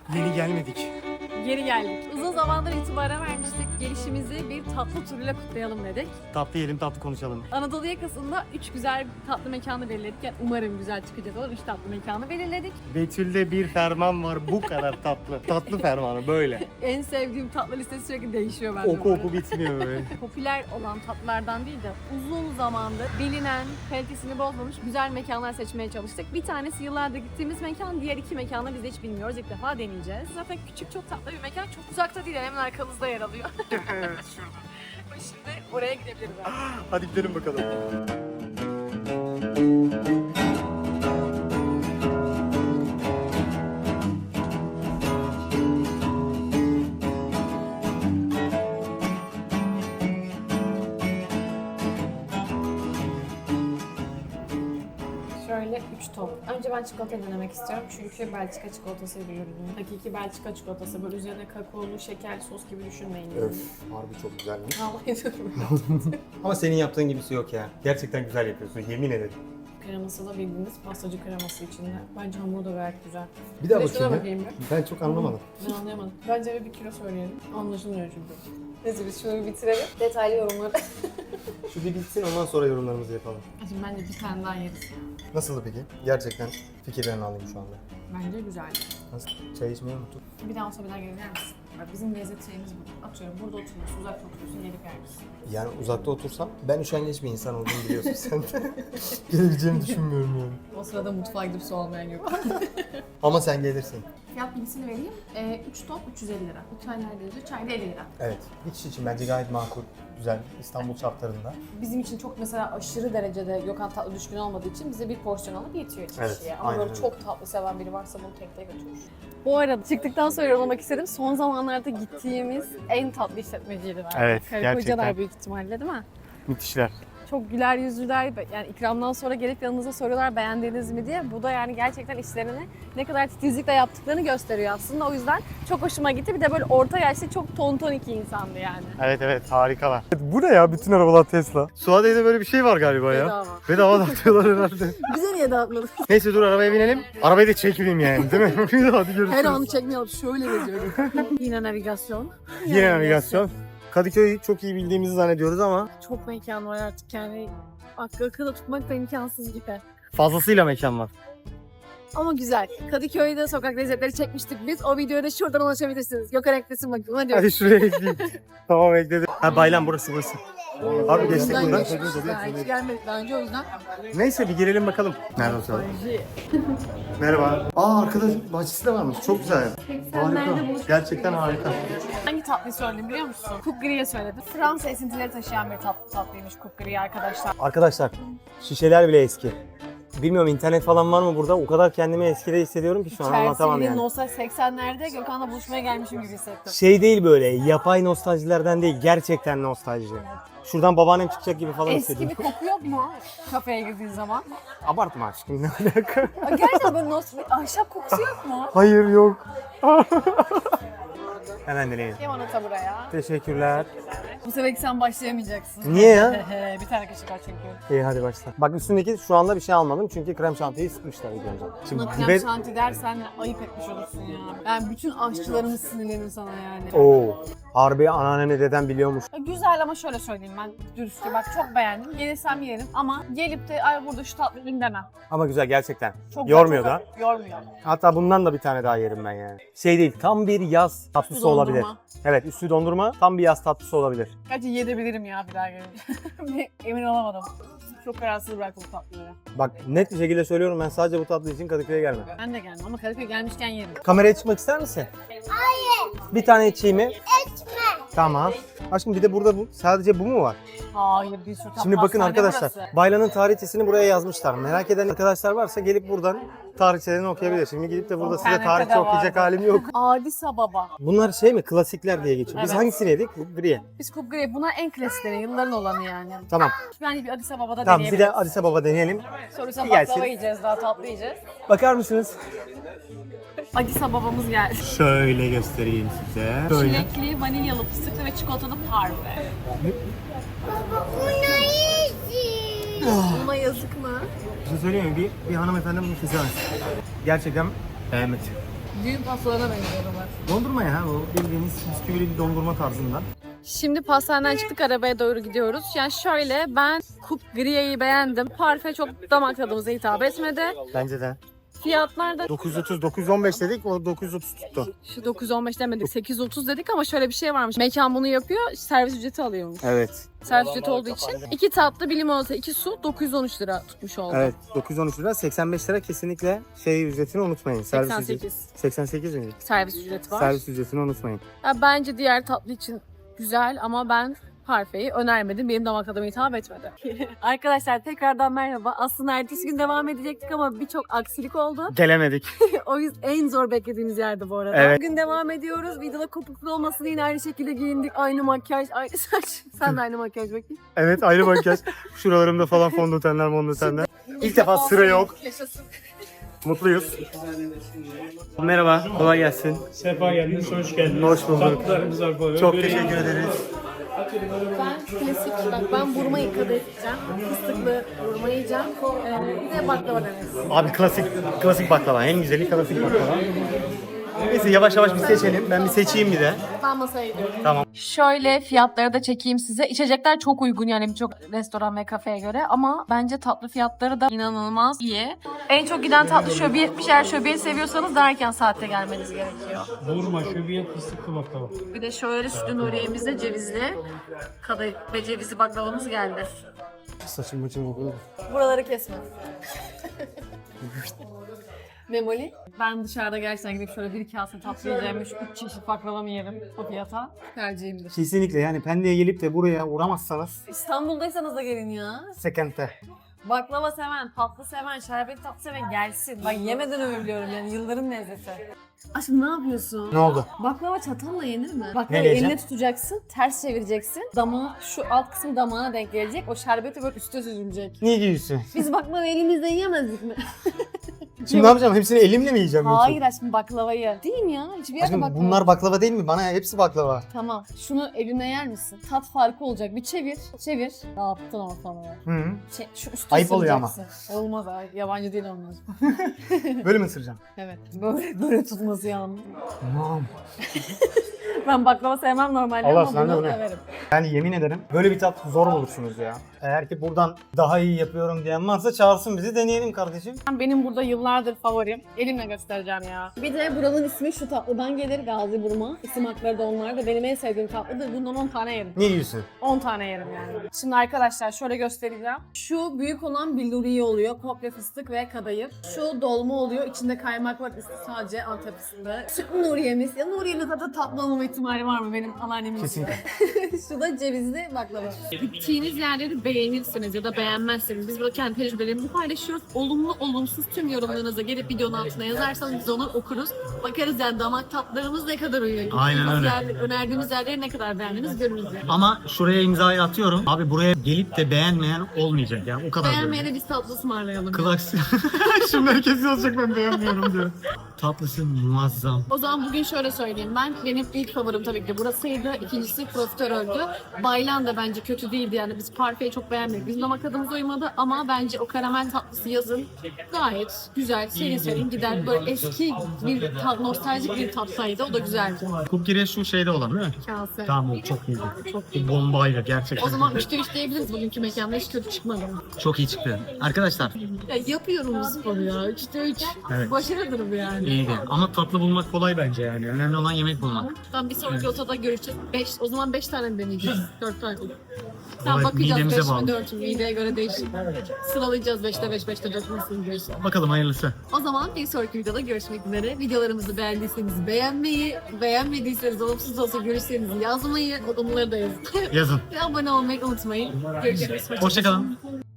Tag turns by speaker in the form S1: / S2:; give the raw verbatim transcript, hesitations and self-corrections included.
S1: Yeni gelmedik.
S2: Geri geldik. Uzun zamandır itibaren vermiştik. Gelişimizi bir tatlı turuyla kutlayalım dedik.
S1: Tatlı yiyelim, tatlı konuşalım.
S2: Anadolu yakasında üç güzel tatlı mekanı belirledik. Yani umarım güzel çıkacak olur. üç tatlı mekanı belirledik.
S1: Betül'de bir ferman var, bu kadar tatlı. Tatlı fermanı böyle.
S2: En sevdiğim tatlı listesi sürekli değişiyor bende.
S1: Oku
S2: bu arada.
S1: oku bitmiyor böyle.
S2: Popüler olan tatlılardan değil de uzun zamandır bilinen, kalitesini bozmamış güzel mekanlar seçmeye çalıştık. Bir tanesi yıllardır gittiğimiz mekan, diğer iki mekanı biz de hiç bilmiyoruz. İlk defa deneyeceğiz. Zaten küçük, çok tatlı bir mekan. Çok uzakta değil, hemen arkamızda yer alıyor.
S1: Evet, şurada.
S2: Şimdi oraya gidebiliriz artık.
S1: Hadi gidelim bakalım.
S2: Şöyle üç top. Önce ben çikolata denemek istiyorum çünkü Belçika çikolatası bir ürünü. Hakiki Belçika çikolatası. Böyle üzerine kakaolu, şeker, sos gibi düşünmeyin.
S3: Öf, harbi çok güzelmiş.
S2: Vallahi diyorum.
S3: Ama senin yaptığın gibisi yok ya. Gerçekten güzel yapıyorsun, yemin ederim.
S2: Kreması da bildiğiniz pastacı kreması içinde. Bence hamuru da gayet güzel.
S3: Bir daha
S2: Bir de şuna
S3: bakayım ya.
S2: bakayım bir.
S3: Ben çok anlamadım.
S2: Ben anlayamadım. Bence bir, bir kilo söyleyelim. Anlaşılmıyor çünkü. Neyse biz şunu bir bitirelim. Detaylı yorumları.
S3: Şu bir bitsin, ondan sonra yorumlarımızı yapalım.
S2: Şimdi bence bir tane daha yeriz.
S3: Nasıldı peki? Gerçekten fikirlerini alayım şu anda.
S2: Bence güzel.
S3: Nasıl? Çay içmeyi unuttuk.
S2: Bir daha olsa bir daha gelir misin? Bak bizim lezzet şeyimiz bu. Atıyorum burada oturuyorsun, uzakta oturuyorsun, gelip yer misin?
S3: Yani uzakta otursam, ben üşengeç bir insan olduğumu biliyorsun sen de. Gelebileceğimi düşünmüyorum yani.
S2: O sırada mutfağa gidip su almayan yok.
S3: Ama sen gelirsin.
S2: Fiyat bilgisini vereyim. E, üç top üç yüz elli lira. Bu çay neredeydi? Çay da elli lira.
S3: Evet, bir kişi için bence gayet makul. Güzel, İstanbul şartlarında.
S2: Bizim için çok mesela aşırı derecede Gökhan tatlı düşkün olmadığı için bize bir porsiyon alıp yetiyor iki
S3: Evet,
S2: kişiye. Ama
S3: aynen
S2: böyle
S3: öyle.
S2: çok tatlı seven biri varsa bunu tek tek götürür. Bu arada çıktıktan sonra yorumlamak istedim. Son zamanlarda gittiğimiz en tatlı işletmeciydi bence.
S1: Evet,
S2: Karı
S1: gerçekten.
S2: kocalar büyük ihtimalle değil mi?
S1: Müthişler.
S2: Çok güler yüzlüler. Yani ikramdan sonra gelip yanınıza soruyorlar beğendiniz mi diye. Bu da yani gerçekten işlerini ne kadar titizlikle yaptıklarını gösteriyor aslında. O yüzden çok hoşuma gitti. Bir de böyle orta yaşlı çok tonton iki insandı yani.
S1: Evet evet, harikalar. Bu ne ya? Bütün arabalar Tesla. Suadiye'de böyle bir şey var galiba ya.
S2: Bedava.
S1: Bedava dağıtıyorlar herhalde.
S2: Bize niye dağıtmadın?
S1: Neyse dur, arabaya binelim. Arabayı da çekmeyeyim yani, değil mi? Hadi görüşürüz.
S2: Her anı çekmeyelim. Şöyle geziyorum. Yine navigasyon.
S1: Yine navigasyon. Kadıköy'ü çok iyi bildiğimizi zannediyoruz ama
S2: Çok mekan var artık yani. Aklı akılda tutmak da imkansız gibi.
S1: fazlasıyla mekan var.
S2: Ama güzel. Kadıköy'de sokak lezzetleri çekmiştik biz. O videoyu da şuradan ulaşabilirsiniz. Gökhan eklesin bakayım. Hadi.
S1: Hadi şuraya ekleyeyim. Tamam, ekledim. Ha, Baylan burası burası. Abi geçtik
S2: Buradan
S1: buradan.
S2: geçmişiz. Daha hiç gelmedik daha önce o yüzden.
S1: Neyse bir girelim bakalım. Nerede oturalım? Merhaba. Aa, arkadaş bahçesi de varmış. Çok güzel. Harika. Gerçekten harika.
S2: Hangi tatlıyı söyledim biliyor musun? Coupe Grie'ye söyledim. Fransa esintileri taşıyan bir tatlı tatlıymış Coupe Grie arkadaşlar.
S3: Arkadaşlar, şişeler bile eski. Bilmiyorum, internet falan var mı burada? O kadar kendimi eskide hissediyorum ki şu an anlatamam
S2: Chelsea
S3: yani.
S2: Nostalji seksenlerde Gökhan'la buluşmaya gelmişim gibi hissettim.
S3: Şey değil böyle, yapay nostaljilerden değil, gerçekten nostalji. Şuradan babaannem çıkacak gibi falan
S2: Eski bir
S3: hissediyorum.
S2: koku yok mu kafeye girdiğin zaman?
S3: Abartma aşkım, ne alaka?
S2: Aa, Gerçekten böyle nostalji, ahşap kokusu yok mu?
S1: Hayır, yok.
S3: Hemen deneyelim.
S2: Limonata buraya.
S3: Teşekkürler.
S2: Bu sefer sen başlayamayacaksın.
S3: Niye ya?
S2: bir tane kaşık var çünkü.
S3: İyi hadi başla. Bak üstündeki şu anda bir şey almadım çünkü krem şantiyi sıkmışlar ilk önce. Şimdi
S2: Buna krem
S3: dibe...
S2: şanti dersen ayıp etmiş olursun ya. Ben bütün aşçılarımız sinirlenir sana yani.
S3: Oo. Harbi anneannem dedem biliyormuş.
S2: Güzel ama şöyle söyleyeyim ben dürüstçe bak çok beğendim. Gelirsem yerim ama gelip de ay burada şu tatlı ürün demem.
S3: Ama güzel gerçekten.
S2: Çok
S3: Yormuyor
S2: çok
S3: da.
S2: hafif, Yormuyor.
S3: Hatta bundan da bir tane daha yerim ben yani. Şey değil, tam bir yaz tatlısı
S2: Üstü dondurma.
S3: olabilir. Evet, üstü dondurma, tam bir yaz tatlısı olabilir.
S2: Gerçi yiyebilirim ya bir daha gelince. Emin olamadım. Çok kararsız bıraktım bu tatlıları.
S3: Bak net bir şekilde söylüyorum, ben sadece bu tatlı için Kadıköy'e gelmem.
S2: Ben de geldim ama Kadıköy gelmişken yerim.
S3: Kameraya çıkmak ister misin? Hayır. Bir tane içeyim mi? İçme. Tamam. Aşkım bir de burada bu, sadece bu mu var?
S2: Hayır bir sürü tatlı
S3: Şimdi bakın
S2: hastane
S3: arkadaşlar,
S2: burası.
S3: Baylan'ın tarihçesini buraya yazmışlar. Merak eden arkadaşlar varsa gelip buradan tarihçelerini okuyabilir. Şimdi gidip de burada size
S2: İnternette
S3: tarihçe
S2: de
S3: okuyacak
S2: vardı.
S3: halim yok.
S2: Adisa Baba.
S3: Bunlar şey mi? Klasikler diye geçiyor. Biz
S2: Evet.
S3: hangisini yedik? Bu Brie.
S2: Biz Coupe Grie bunlar en klasikleri yılların olanı yani.
S3: Tamam.
S2: Bence bir Adisa Baba'da
S3: Tamam bir
S2: deneyebiliriz.
S3: de Adisa Baba deneyelim.
S2: Sonrasında
S3: bir gelsin.
S2: baklava yiyeceğiz daha tatlı yiyeceğiz.
S3: Bakar mısınız?
S2: Adisa Baba'mız geldi.
S1: Şöyle göstereyim size.
S2: Çilekli, vanilyalı, fıstıklı ve çikolatalı parfe. Buna yazık mı?
S3: Bir şey söyleyeyim mi? Bir, bir hanımefendi bunu kesemez. Gerçekten beğenmedi.
S2: Düğün pastalarına benziyorlar.
S1: Dondurma ya, o bildiğiniz bisküvili bir dondurma tarzından.
S2: Şimdi pastaneden çıktık, arabaya doğru gidiyoruz. Yani şöyle, ben Coupe Grille'yi beğendim. Parfe çok damak tadımıza hitap etmedi.
S1: Bence de.
S2: Fiyatlar da
S1: dokuz yüz otuz, dokuz yüz on beş dedik, o dokuz yüz otuz tuttu.
S2: şu dokuz yüz on beş demedik, sekiz yüz otuz dedik ama şöyle bir şey varmış. Mekan bunu yapıyor, servis ücreti alıyormuş.
S1: Evet.
S2: Servis ücreti olduğu için iki tatlı, bir limonata, iki su dokuz yüz on üç lira tutmuş oldu.
S1: Evet, dokuz yüz on üç lira, seksen beş lira kesinlikle şey ücretini unutmayın. Servis
S2: seksen
S1: ücreti.
S2: sekiz
S1: seksen sekiz mi?
S2: servis ücreti var.
S1: Servis ücretini unutmayın.
S2: Ya bence diğer tatlı için güzel ama ben Parfe'yi önermedim. Benim damak tadıma hitap etmedi. Arkadaşlar tekrardan merhaba. Aslında ertesi gün devam edecektik ama birçok aksilik oldu.
S1: Gelemedik.
S2: O yüzden en zor beklediğimiz yerde bu arada.
S1: Evet.
S2: Bugün devam ediyoruz. Videoda kopuklu olmasın, yine aynı şekilde giyindik. Aynı makyaj, aynı saç. Sen de aynı makyaj bakayım.
S1: Evet, ayrı makyaj. Şuralarımda falan fondötenler, fondötenler. İlk defa sıra yok.
S2: Yaşasın.
S1: Mutluyuz. Merhaba, kolay gelsin.
S4: Sefa geldiniz, hoş geldiniz.
S1: Hoş bulduk.
S4: Tatlılarımız var böyle.
S1: Çok
S4: Böreği-
S1: teşekkür ederiz.
S2: Ben klasik, bak ben burma yıkadı edeceğim. Fıstıklı burma yiyeceğim. Ee, bir de baklava deneriz.
S1: Abi klasik klasik baklava. En güzeli klasik baklava. Neyse yavaş yavaş bir seçelim. Ben bir seçeyim bir de.
S2: Ben masaya gidiyorum.
S1: Tamam.
S2: Şöyle fiyatları da çekeyim size. İçecekler çok uygun yani birçok restoran ve kafeye göre ama bence tatlı fiyatları da inanılmaz iyi. En çok giden tatlı şöbiyet. Eğer şöbiyet seviyorsanız daha erken saatte gelmeniz gerekiyor.
S4: Vurma, şöbiyet, fıstıklı baklava.
S2: Bir de şöyle sütlü Nuriye'mizde cevizli kadayıf ve cevizli baklavamız geldi.
S1: Saçım başım okuyor.
S2: Buraları kesme. Memoli. Ben dışarıda gerçekten gidip şöyle bir kase tatlı yiyeceğim. Üç, üç çeşit baklavamı yerim o fiyata. Tercihimdir.
S1: Kesinlikle yani Pendik'e gelip de buraya uğramazsanız
S2: İstanbul'daysanız da gelin ya.
S1: sekente.
S2: Baklava seven, tatlı seven, şerbetli tatlı seven gelsin. Bak yemeden övülüyorum yani, yılların lezzeti. Aşkım ne yapıyorsun?
S1: Ne oldu?
S2: Baklava çatalla yenir mi? Baklavayı
S1: Neyle yiyeceğim?
S2: eline tutacaksın, ters çevireceksin. Damağı, şu alt kısmı damağına denk gelecek. O şerbeti böyle üste süzülecek.
S1: Ne diyorsun?
S2: Biz baklava elimizle yiyemezdik mi?
S1: Şimdi ne yapacağım? Hepsini elimle mi yiyeceğim? yoksa?
S2: Hayır aşkım, baklavayı. Değil mi ya? Hiçbir yerde
S1: Aşkım
S2: baklava.
S1: bunlar baklava değil mi? Bana hepsi baklava.
S2: Tamam. Şunu eline yer misin? Tat farkı olacak. Bir çevir. Çevir. Ne yaptın ortalığı?
S1: Hı -hı.
S2: Çe- şu üstü
S1: Ayıp oluyor ama.
S2: ısıracaksın. Olmaz abi. Yabancı değil olmaz.
S1: Böyle mi ısıracağım?
S2: Evet. Böyle, böyle tutması yanlış.
S1: Tamam.
S2: Ben baklava sevmem normalde
S1: Allah
S2: ama
S1: sen de
S2: bunu
S1: bu ne?
S2: severim.
S1: Yani yemin ederim böyle bir tat zor bulursunuz ya. Eğer ki buradan daha iyi yapıyorum diyen varsa çağırsın bizi, deneyelim kardeşim.
S2: Benim burada yıllardır favorim. Elimle göstereceğim ya. Bir de buranın ismi şu tatlıdan gelir, Gazi Burma. İsim hakları da onlar da. Benim en sevdiğim tatlıdır. Bundan on tane yerim.
S1: Ne diyorsun?
S2: on tane yerim yani. Şimdi arkadaşlar şöyle göstereceğim. Şu büyük olan billuriye oluyor. Komple fıstık ve kadayıf. Şu dolma oluyor. İçinde kaymak var. Üstü sadece Antep fıstığı. Sütlü Nuriye'miz. Ya Nuriye'nin tadı tatlı olma ihtimali var mı benim anneannemin?
S1: Kesinlikle.
S2: Şu da cevizli baklava. Gittiğiniz yerleri beğenirsiniz ya da beğenmezsiniz. Biz burada kendi tecrübelerimizi paylaşıyoruz. Olumlu, olumsuz tüm yorumlarınızı gelip videonun altına yazarsanız biz onu okuruz. Bakarız yani damak tatlarımız ne kadar uyuyor.
S5: Aynen
S2: Gittiğimiz
S5: öyle.
S2: yerler- önerdiğimiz yerleri ne kadar beğendiniz görürüz yani.
S5: Ama şuraya imzayı atıyorum. Abi buraya gelip de beğenmeyen olmayacak yani o kadar.
S2: Beğenmeyene biz tatlı ısmarlayalım.
S5: Klaks. Şimdi herkes yazacak ben beğenmiyorum diyor. Tatlısı muazzam.
S2: O zaman bugün şöyle söyleyeyim. Ben benim ilk favorim tabii ki de burasıydı. İkincisi profiteroldü. Baylan da bence kötü değildi yani. Biz parfeyi çok beğenmedik. Bizim damak tadımız uymadı ama bence o karamel tatlısı yazın gayet güzel, serin serin gider. Böyle eski bir tat, nostaljik bir tatlıydı. O da güzeldi.
S5: Cookie şu şeyde olan değil mi?
S2: Kase.
S5: Tamam o çok iyiydi. Çok iyi. Bombayla gerçekten.
S2: O zaman üçte üç diyebiliriz bugünkü mekanda. Hiç kötü çıkmadı.
S5: Çok iyi çıktı. Arkadaşlar
S2: Ya yapıyorum bu sporu ya. Üçte üç.
S5: Evet.
S2: Başarıdır bu yani.
S5: iyiydi. Ama tatlı bulmak kolay bence yani. Önemli olan yemek bulmak.
S2: Tamam bir sonraki otada görüşeceğiz. Beş, o zaman beş tane mi deneyeceğiz? Dört tane. Tamam
S5: Evet,
S2: bakacağız
S5: midemize
S2: beş mi
S5: bağlı.
S2: dört mü? Mideye göre değişir. Sıralayacağız beşte beş, beşte dört nasıl gidiyorsa.
S5: Bakalım hayırlısı.
S2: O zaman bir sonraki videoda görüşmek üzere. Videolarımızı beğendiyseniz beğenmeyi, beğenmediyseniz olumsuz olsa görüşlerinizi yazmayı, olumları da yazın.
S5: Yazın.
S2: Ve abone olmayı unutmayın. Görüşürüz.
S5: Hoşçakalın.